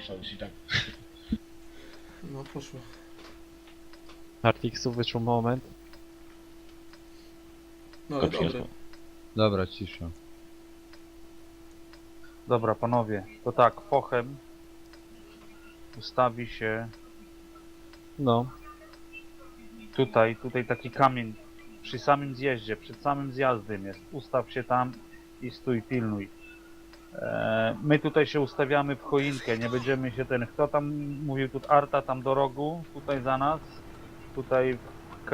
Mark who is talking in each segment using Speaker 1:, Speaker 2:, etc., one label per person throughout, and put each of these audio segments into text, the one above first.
Speaker 1: poszła już i tak.
Speaker 2: No poszło.
Speaker 3: Artixu wyszło moment.
Speaker 2: No ale
Speaker 1: Kopie.
Speaker 2: dobre.
Speaker 4: Dobra, cisza.
Speaker 5: Dobra, panowie, to tak, fochem ustawi się
Speaker 3: No.
Speaker 5: tutaj taki kamień przy samym zjeździe, przed samym zjazdem jest. Ustaw się tam i stój, pilnuj. My tutaj się ustawiamy w choinkę, nie będziemy się kto tam mówił, tu Arta tam do rogu, tutaj za nas, tutaj w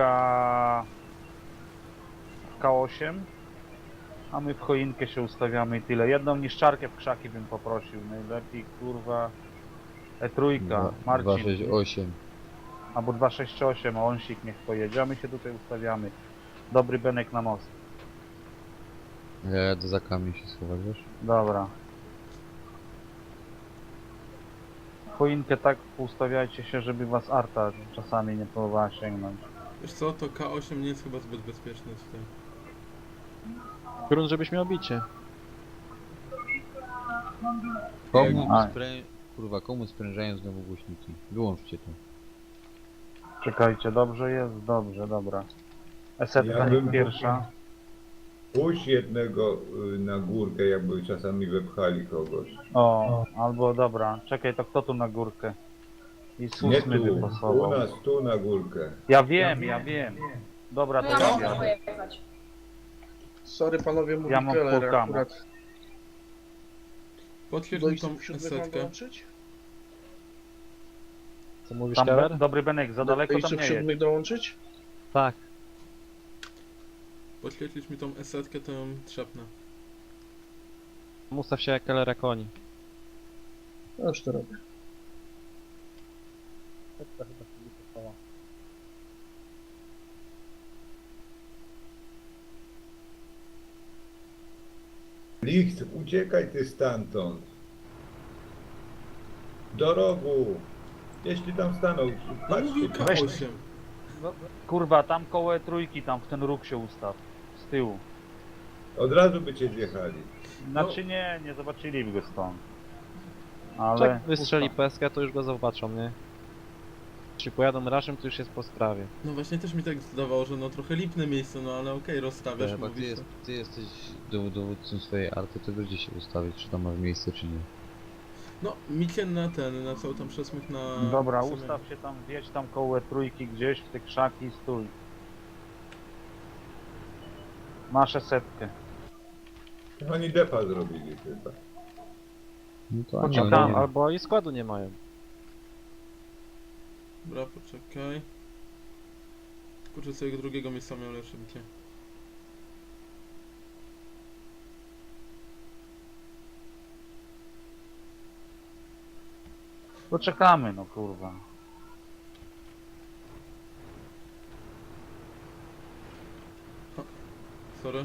Speaker 5: K8, a my w choinkę się ustawiamy i tyle. Jedną niszczarkę w krzaki bym poprosił, najlepiej kurwa E3, Marcin,
Speaker 4: 268.
Speaker 5: albo 268, a onsik niech pojedzie, a my się tutaj ustawiamy. Dobry Benek na most.
Speaker 4: Ja jadę za kamień się schować, wiesz?
Speaker 5: Dobra. Choinkę tak ustawiajcie się, żeby was Arta czasami nie próbowała sięgnąć.
Speaker 2: Wiesz co, to K8 nie jest chyba zbyt bezpieczne tutaj.
Speaker 3: Grunt, żebyś miał bicie.
Speaker 4: Komu
Speaker 5: A.
Speaker 4: Kurwa, komu sprężają znowu głośniki? Wyłączcie to.
Speaker 5: Czekajcie, dobrze jest? Dobrze, dobra. Esetka
Speaker 6: Ja
Speaker 5: niech
Speaker 6: bym
Speaker 5: pierwsza.
Speaker 6: Puść jednego na górkę, jakby czasami wepchali kogoś.
Speaker 5: O, albo dobra. Czekaj, to kto tu na górkę? I
Speaker 6: Nie
Speaker 5: susmy
Speaker 6: tu, u
Speaker 5: wypasował.
Speaker 6: nas tu na górkę.
Speaker 5: Ja wiem. Dobra, to
Speaker 7: No ja
Speaker 5: ja
Speaker 7: mogę
Speaker 5: jadę.
Speaker 7: pojechać.
Speaker 8: Sorry panowie, mówi
Speaker 5: Ja mam
Speaker 8: Keller
Speaker 5: full camo.
Speaker 8: akurat.
Speaker 2: Potwierdź mi tą
Speaker 8: Dojść siódmych mam
Speaker 2: esetkę.
Speaker 8: dołączyć?
Speaker 3: Co mówisz,
Speaker 5: Tam
Speaker 3: Keller?
Speaker 5: dobry Benek, za daleko tam
Speaker 8: Dojść
Speaker 5: nie jest.
Speaker 8: siódmych dołączyć?
Speaker 3: Tak.
Speaker 2: Podświetlisz mi tą esetkę, to ją trzepnę.
Speaker 3: Ustaw się jak Kellera koni.
Speaker 8: No już to robię.
Speaker 6: Licht, uciekaj ty stamtąd. Do rogu. Jeśli tam stanął,
Speaker 2: No
Speaker 6: patrzcie.
Speaker 2: mówił K8.
Speaker 5: Kurwa, tam koło E3, tam w ten róg się ustaw. Z tyłu.
Speaker 6: Od razu by cię zjechali.
Speaker 5: Znaczy nie zobaczyliby go stąd. Ale...
Speaker 3: Czek wystrzeli peskę, to już go zobaczą, nie? Czy pojadą raszem, to już jest po sprawie.
Speaker 2: No właśnie też mi tak zdawało, że no trochę lipne miejsce, no ale okej, rozstawiasz,
Speaker 4: Chyba
Speaker 2: mówisz to.
Speaker 4: ty jesteś dowódcą swojej arty, to będzie się ustawić, czy tam masz miejsce, czy nie.
Speaker 2: No, micie na cały tam przesmyk na...
Speaker 5: Dobra,
Speaker 2: sumie.
Speaker 5: ustaw się tam, wjedź tam koło E3 gdzieś w te krzaki i stój. Masz esetkę.
Speaker 6: Oni depa zrobili chyba.
Speaker 4: No to
Speaker 5: Chodź
Speaker 4: ani
Speaker 5: tam,
Speaker 4: oni nie-
Speaker 3: Albo i składu nie mają.
Speaker 2: Dobra, poczekaj. Kurczę, co jego drugiego miejsca miał lepsze bicie.
Speaker 5: Poczekamy, no kurwa.
Speaker 2: Sorry.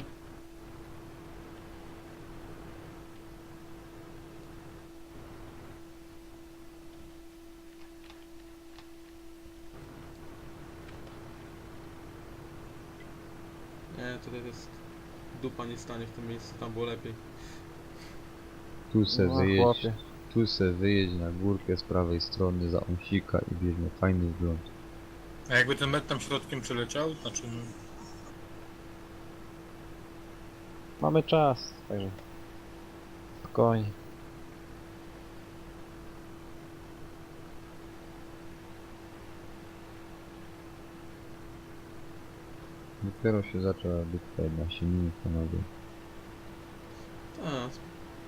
Speaker 2: Nie, tutaj jest... Dupa nie stanie w tym miejscu, tam było lepiej.
Speaker 4: Tu se
Speaker 3: No,
Speaker 4: wyjedź,
Speaker 3: chłopie.
Speaker 4: tu se wyjedź na górkę z prawej strony za ąsika i bierzmy fajny wgląd.
Speaker 1: A jakby ten met tam środkiem przeleciał, znaczy no,
Speaker 3: Mamy czas, także... Spokojnie.
Speaker 4: Dopiero się zaczęła bitka, 11 minut panowie.
Speaker 2: A,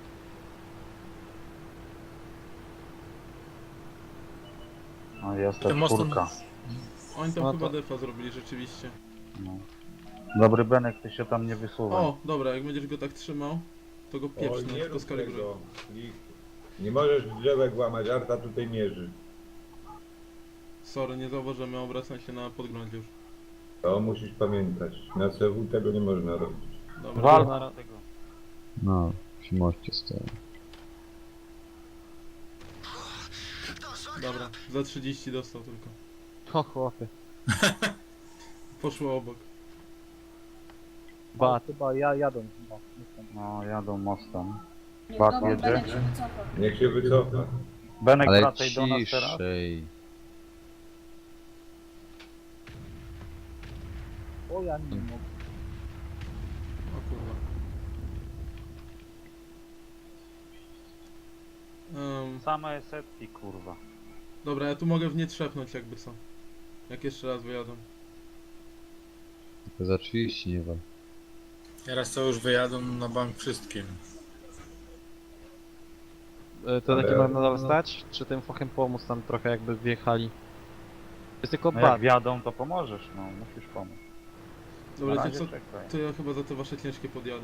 Speaker 5: No jest
Speaker 1: ten
Speaker 5: ta
Speaker 1: most
Speaker 5: czwórka.
Speaker 2: oni tam
Speaker 3: No
Speaker 2: chyba
Speaker 3: to-
Speaker 2: defa zrobili rzeczywiście.
Speaker 5: No. Dobry Benek, ty się tam nie wysuwaj.
Speaker 2: O, dobra, jak będziesz go tak trzymał, to go
Speaker 6: O,
Speaker 2: pieprz, no
Speaker 6: nie
Speaker 2: tylko
Speaker 6: rób
Speaker 2: skaligruj.
Speaker 6: tego. Licht. Nie możesz drzewek łamać, Arta tutaj mierzy.
Speaker 2: Sorry, nie zauważyłem, ja obracam się na podglądzie już.
Speaker 6: To musisz pamiętać. Na CW tego nie można robić.
Speaker 2: Dobra.
Speaker 5: Wal na tego.
Speaker 4: No, przy moście stoją.
Speaker 2: Dobra, za 30 dostał tylko.
Speaker 3: O chłopie.
Speaker 2: Poszło obok.
Speaker 3: Bat.
Speaker 8: Chyba ja jadę.
Speaker 5: No, jadą mostem.
Speaker 7: Nie,
Speaker 5: Bak
Speaker 7: dobra,
Speaker 5: jedzie.
Speaker 7: Benek się wycofa.
Speaker 6: Niech się wycofa.
Speaker 5: Benek,
Speaker 4: Ale
Speaker 5: wracaj do nas teraz.
Speaker 4: ciszej.
Speaker 8: O, ja nie mogę.
Speaker 2: O kurwa.
Speaker 5: Same setki, kurwa.
Speaker 2: Dobra, ja tu mogę w nie trzepnąć jakby co. Jak jeszcze raz wyjadą.
Speaker 4: Tylko za 30 nie wal.
Speaker 1: Teraz to już wyjadą na bank wszystkim.
Speaker 3: To
Speaker 6: Ale-
Speaker 3: taki mam nadal stać? Czy tym fochem pomóc tam trochę jakby wjechali? Jest tylko
Speaker 5: No jak
Speaker 3: bat.
Speaker 5: wjadą, to pomożesz, no, musisz pomóc. Na
Speaker 2: Dobra, to
Speaker 5: razie
Speaker 2: co?
Speaker 5: czekaj.
Speaker 2: To ja chyba za te wasze ciężkie podjadę.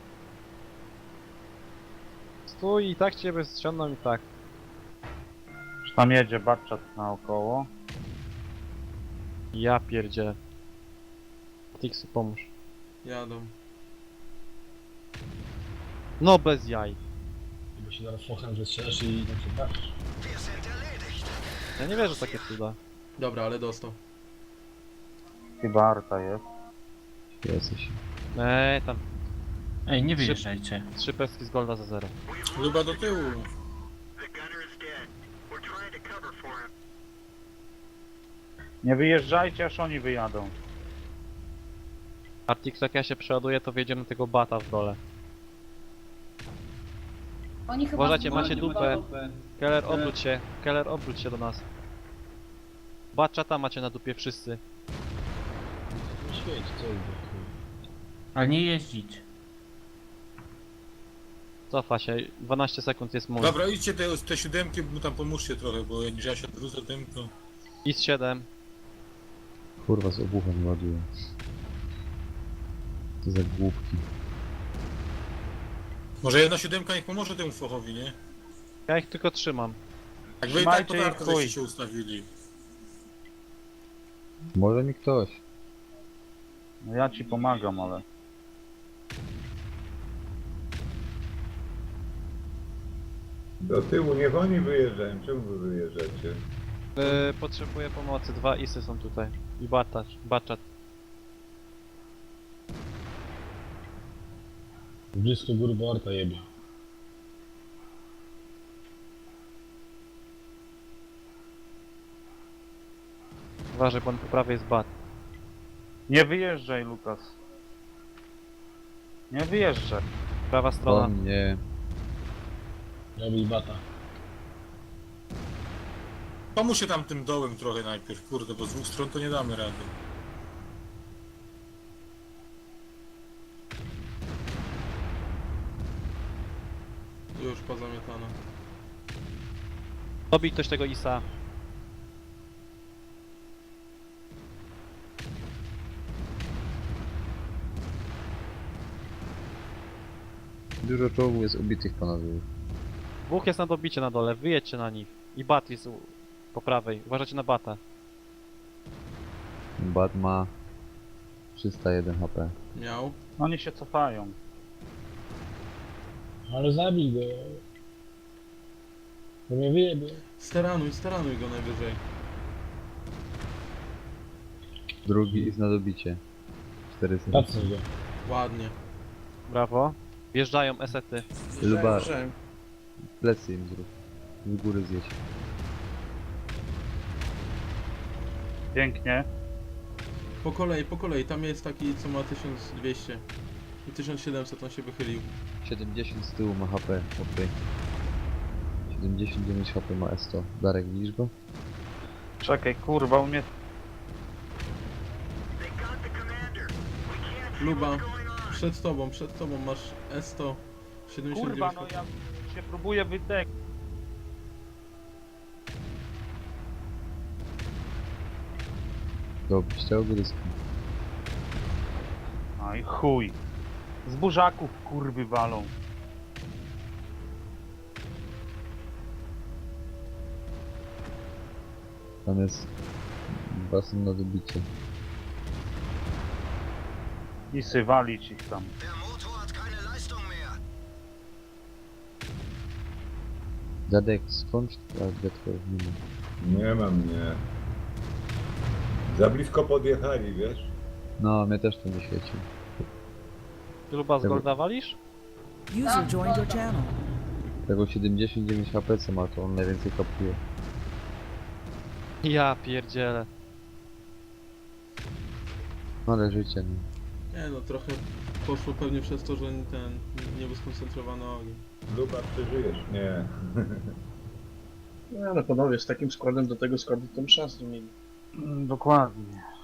Speaker 3: Stój i tak ciebie strzędą i tak.
Speaker 5: Już tam jedzie Barczat naokoło.
Speaker 3: Ja pierdzie. Tixu pomóż.
Speaker 2: Jadą.
Speaker 3: No bez jaj.
Speaker 7: Bo się zaraz fochem wystrzelasz i tam się trafisz.
Speaker 3: Ja nie wierzę w takie cuda.
Speaker 2: Dobra, ale dostał.
Speaker 5: Chyba Arta jest.
Speaker 4: Jesteś.
Speaker 3: Tam
Speaker 7: Ej, nie wyjeżdżajcie.
Speaker 3: 3 peski z golda za 0.
Speaker 1: Luba do tyłu.
Speaker 5: Nie wyjeżdżajcie, aż oni wyjadą.
Speaker 3: Artix, jak ja się przeładuję, to wjedziemy tego bata w dole.
Speaker 9: Oni chyba
Speaker 3: Uważajcie,
Speaker 9: zgubią
Speaker 3: macie dupę. Keller, obróć się. Keller, obróć się do nas. Baczata macie na dupie wszyscy.
Speaker 7: No świeć, co idzie.
Speaker 10: Ale nie jeździć.
Speaker 3: Cofa się. 12 sekund jest mój.
Speaker 1: Dobra, idźcie te siódemki, mu tam pomóżcie trochę, bo jak ja się odwrócę tym, to...
Speaker 3: IS 7.
Speaker 4: Kurwa z obuchem ładuję. To za głupki.
Speaker 1: Może jedna siódemka niech pomoże temu fochowi, nie?
Speaker 3: Ja ich tylko trzymam.
Speaker 1: Jak wy i tak
Speaker 5: Trzymajcie
Speaker 1: to
Speaker 5: ich,
Speaker 1: tarko
Speaker 5: chuj.
Speaker 1: żeście się ustawili.
Speaker 4: Może mi ktoś.
Speaker 5: No ja ci pomagam, ale...
Speaker 6: Do tyłu niech oni wyjeżdżają. Czemu wy wyjeżdżacie?
Speaker 3: Potrzebuję pomocy. 2 isy są tutaj. I baczat.
Speaker 7: Blisko góry, bo Arta jebie.
Speaker 3: Uważaj, bo on po prawej jest bat.
Speaker 5: Nie wyjeżdżaj, Lukas. Nie wyjeżdżaj.
Speaker 3: Prawa strona.
Speaker 4: On nie.
Speaker 7: Robi bata.
Speaker 1: Pomóż się tam tym dołem trochę najpierw, kurde, bo z dwóch stron to nie damy rady.
Speaker 2: Już pozamiatane.
Speaker 3: Dobij ktoś tego isa.
Speaker 4: Dużo czołgów jest ubitych panowie.
Speaker 3: Dwóch jest na dobicie na dole. Wyjedźcie na nich. I bat jest po prawej. Uważajcie na bata.
Speaker 4: Bat ma 301 HP.
Speaker 2: Miał.
Speaker 5: Oni się cofają.
Speaker 7: Ale zabij go. Bo mnie wyjebie.
Speaker 2: Staranuj go najwyżej.
Speaker 4: Drugi jest na dobicie. 400.
Speaker 7: Patrzę go.
Speaker 2: Ładnie.
Speaker 3: Brawo. Wjeżdżają esety.
Speaker 4: Luba,
Speaker 8: Wjeżdżałem.
Speaker 4: plecy im zrób. Z góry zjeść.
Speaker 5: Pięknie.
Speaker 2: Po kolei. Tam jest taki, co ma 1200. I 1700 on się wychylił.
Speaker 4: 70 z tyłu ma HP. Ok. 79 HP ma S100. Darek, widzisz go?
Speaker 5: Czekaj, kurwa, u mnie...
Speaker 2: Luba, przed tobą masz S100. 79
Speaker 5: Kurwa, no ja się próbuję wydek.
Speaker 4: Dobrze, ściał gryzki.
Speaker 5: No i chuj. Z burzaków kurwy walą.
Speaker 4: Tam jest basen na dobicie.
Speaker 5: I sywalić ich tam.
Speaker 4: Dadek, skąd detko nie ma?
Speaker 6: Nie mam, nie. Za blisko podjechali, wiesz?
Speaker 4: No, mnie też to nie świeci.
Speaker 3: Luba z golda walisz?
Speaker 9: User joined your channel.
Speaker 4: Tego 79 HP co ma, to on najwięcej kapuje.
Speaker 3: Ja pierdzielę.
Speaker 4: No ale życie, no.
Speaker 2: Nie no, trochę poszło pewnie przez to, że ten nie był skoncentrowany ogień.
Speaker 6: Luba, przeżyjesz? Nie.
Speaker 8: No ale panowie, z takim składem do tego składu to szans nie mieli.
Speaker 5: Dokładnie.